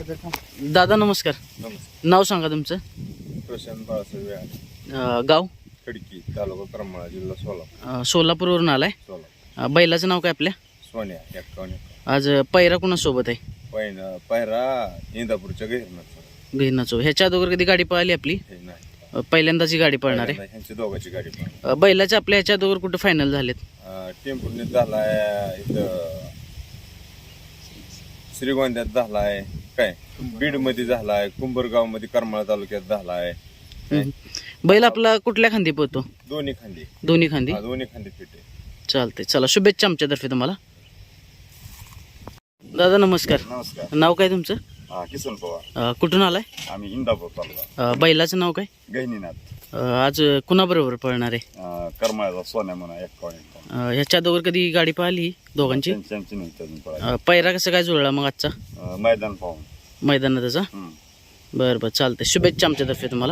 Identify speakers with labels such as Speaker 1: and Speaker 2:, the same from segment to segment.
Speaker 1: दादा नमस्कार. नाव सांगा तुमचं.
Speaker 2: प्रशांत बाळासाहेब
Speaker 1: गाव
Speaker 2: खडकी, तालुका करमाळा, जिल्हा सोलापूर.
Speaker 1: सोलापूरवरून आलाय. बैलाचं नाव काय आपल्या?
Speaker 2: सोन्या 51.
Speaker 1: आज पैरा कोणासोबत आहे?
Speaker 2: पायरा इंदापूरच्या
Speaker 1: घेण्याचो. ह्याच्या अगोदर कधी गाडी पळाली आपली?
Speaker 2: नाही,
Speaker 1: पहिल्यांदाच ही गाडी पळणार आहे.
Speaker 2: ह्यांची दोघांची गाडी
Speaker 1: बैलाच्या आपल्या ह्याच्या अगोदर कुठं फायनल झालेत?
Speaker 2: टेम्पोने झालाय, इथं श्रीगोंद्यात झालाय, काय बीड मध्ये झालाय, कुंभरगाव मध्ये करमाळा तालुक्यात झालाय.
Speaker 1: बैल आपला कुठल्या खांदी पळतो?
Speaker 2: दोन्ही खांदी.
Speaker 1: दोन्ही खांदी
Speaker 2: फिट आहे.
Speaker 1: चालते. चला, शुभेच्छा आमच्यातर्फे तुम्हाला. दादा नमस्कार.
Speaker 2: नमस्कार.
Speaker 1: नाव काय तुमचं?
Speaker 2: किसन पवार.
Speaker 1: कुठून आलाय?
Speaker 2: आम्ही इंदापूर तालुका.
Speaker 1: बैलाचं नाव काय?
Speaker 2: गहिनीनाथ.
Speaker 1: आज कुणाबरोबर पळणार आहे?
Speaker 2: करमाळ्याचा सोन्या म्हणा 51.
Speaker 1: ह्याच्या अगोदर कधी गाडी पळाली दोघांची? पैरा कसं काय जुळला मग आजचा?
Speaker 2: मैदान पाहून.
Speaker 1: मैदानाचा. बरं बरं, चालतंय. शुभेच्छा आमच्यातर्फे तुम्हाला.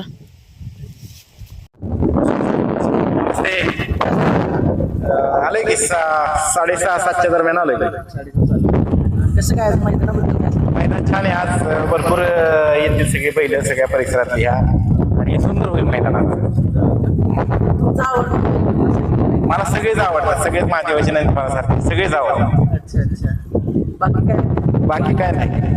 Speaker 3: आले की 6:30-7च्या दरम्यान आलोय.
Speaker 1: कसं काय
Speaker 3: मैदान छान आहे. आज भरपूर येतील सगळे बैल सगळ्या परिसरात ह्या, आणि सुंदर होईल मैदानात. मला सगळेच आवडतात. सगळेच महादेवाचे नाही मला सगळेच आवडतात.
Speaker 1: अच्छा अच्छा.
Speaker 3: बाकी काय नाही.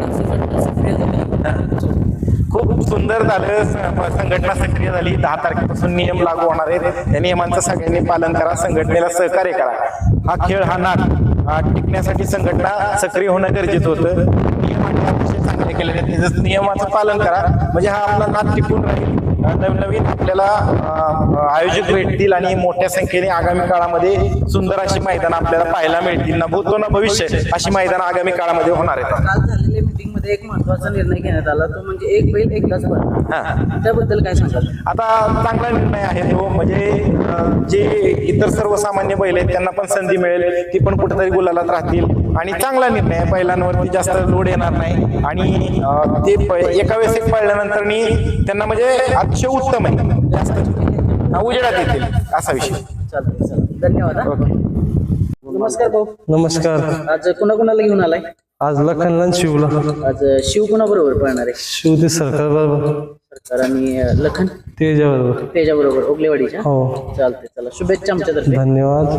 Speaker 3: खूप सुंदर झालं. संघटना सक्रिय झाली. 10 तारखेपासून नियम लागू होणार आहेत. त्या नियमांचं सगळ्यांनी पालन करा. संघटनेला सहकार्य करा. हा खेळ, हा नाद टिकण्यासाठी संघटना सक्रिय होणं गरजेचं होतं. नियमांनी अतिशय चांगले केलेले आहेत. त्याचं नियमाचं पालन करा, म्हणजे हा आपला नाद टिकून राहील. नवनवीन आपल्याला आयोजक भेटतील आणि मोठ्या संख्येने आगामी काळामध्ये सुंदर अशी मैदान आपल्याला पाहायला मिळतील. ना भूतो ना भविष्य अशी मैदान आगामी काळामध्ये होणार आहेत.
Speaker 1: काल झालेल्या मीटिंग मध्ये एक महत्वाचा निर्णय घेण्यात आला, तो म्हणजे एक बैल एकदाच पळणार. त्याबद्दल काय सांगाल?
Speaker 3: आता चांगला निर्णय आहे तो. म्हणजे जे इतर सर्वसामान्य बैल आहेत त्यांना पण संधी मिळेल, ती पण कुठेतरी गुलालात राहतील. आणि चांगला निर्णय आहे. बैलांवरती जास्त लोड येणार नाही, आणि ते एका वेळेस एक पळल्यानंतर त्यांना म्हणजे अतिशय उत्तम आहे. जास्त उजेडात येतील असा विषय.
Speaker 1: चालतंय. धन्यवाद. नमस्कार भाऊ.
Speaker 4: नमस्कार.
Speaker 1: आज कुणाकुणाला घेऊन आलाय?
Speaker 4: आज लखनला शिवला.
Speaker 1: आज शिव कुणाबरोबर पळणार आहे?
Speaker 4: शिव ते सरकार बरोबर.
Speaker 1: सरकार आणि लखन
Speaker 4: तेजा बरोबर.
Speaker 1: त्याच्याबरोबर ओगलेवाडीच्या.
Speaker 4: हो.
Speaker 1: चालते. चला, शुभेच्छा आमच्यातर्फे.
Speaker 4: धन्यवाद.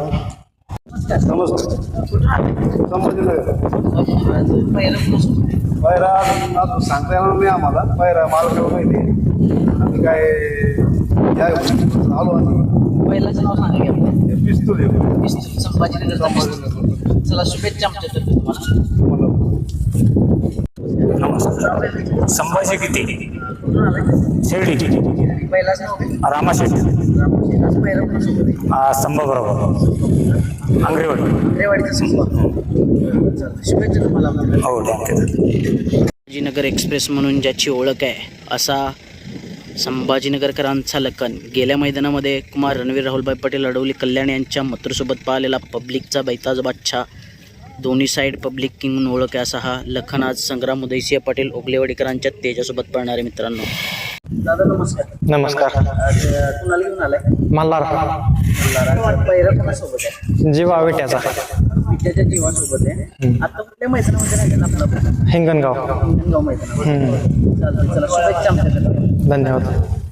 Speaker 2: पायरा अजून सांगता येणार नाही आम्हाला. पायरा मला माहिती काय आलो आम्ही.
Speaker 1: बैलाचं नाव सांगा की आपलं.
Speaker 2: पिस्तूल आहे.
Speaker 1: संभाजीनगरचा पिस्तूल. चला, शुभेच्छा आमच्यातर्फे तुम्हाला.
Speaker 5: संभाजी किती
Speaker 1: कुठून आलाय?
Speaker 5: शेर्डी.
Speaker 1: बैलाचं नाव काय?
Speaker 5: रामा शेट्टी.
Speaker 1: आज बैला कोणासोबत आहे?
Speaker 5: स्तंभ बरोबर आंग्रेवाडी.
Speaker 1: रेवाडीचा संपर्क. चालतंय. शुभेच्छा तुम्हाला.
Speaker 5: हो, थँक्यू.
Speaker 1: संभाजीनगर एक्सप्रेस म्हणून ज्याची ओळख आहे असा संभाजीनगरकरांचा लखन गेल्या मैदानामध्ये कुमार रणवीर राहुलभाई पटेल अडवली कल्याण यांच्या मथुरसोबत पाहिलेला पब्लिकचा बैताज बादशाह, दोन्ही साईड पब्लिक किंग म्हणून ओळख आहे असा हा लखन आज संग्राम उदयसिंह पाटील ओगलेवाडीकरांच्या तेजासोबत पळणारे मित्रांनो. दादा नमस्कार.
Speaker 4: नमस्कार.
Speaker 1: आज कुणाला घेऊन आलाय?
Speaker 4: मल्हार.
Speaker 1: पहिला कोणासोबत आहे?
Speaker 4: जीवा विट्याचा.
Speaker 1: विद्याच्या जीवासोबत आहे. आता कुठल्या मैदानामध्ये राहिलेला आपला?
Speaker 4: हिंगणगाव.
Speaker 1: हिंगणगाव मैदानामध्ये. चालतंय. चला, शुभेच्छा आमच्याकडे.
Speaker 4: धन्यवाद.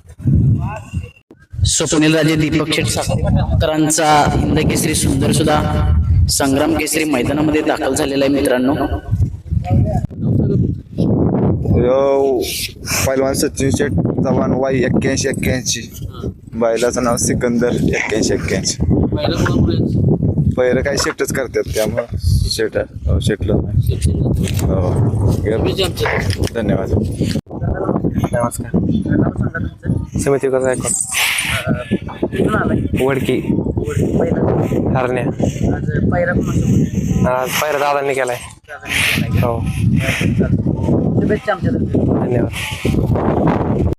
Speaker 1: स्वप्नील राजे दीपक शेटकरांचा हिंद केसरी सुंदर सुद्धा संग्राम केसरी मैदानामध्ये दाखल झालेला आहे मित्रांनो.
Speaker 2: पहिलवान सचिन शेठ चव्हाण वाई 81-81. बैलाचं नाव सिकंदर 81-81. पहिलं काही शेटच करतात त्यामुळं शेटला. धन्यवाद.
Speaker 4: नमस्कार. समिती कसं आहे? वडकी. हरण्या. आज पायरा दादांनी केलाय. हो.
Speaker 1: शुभेच्छा आमच्या.
Speaker 4: धन्यवाद.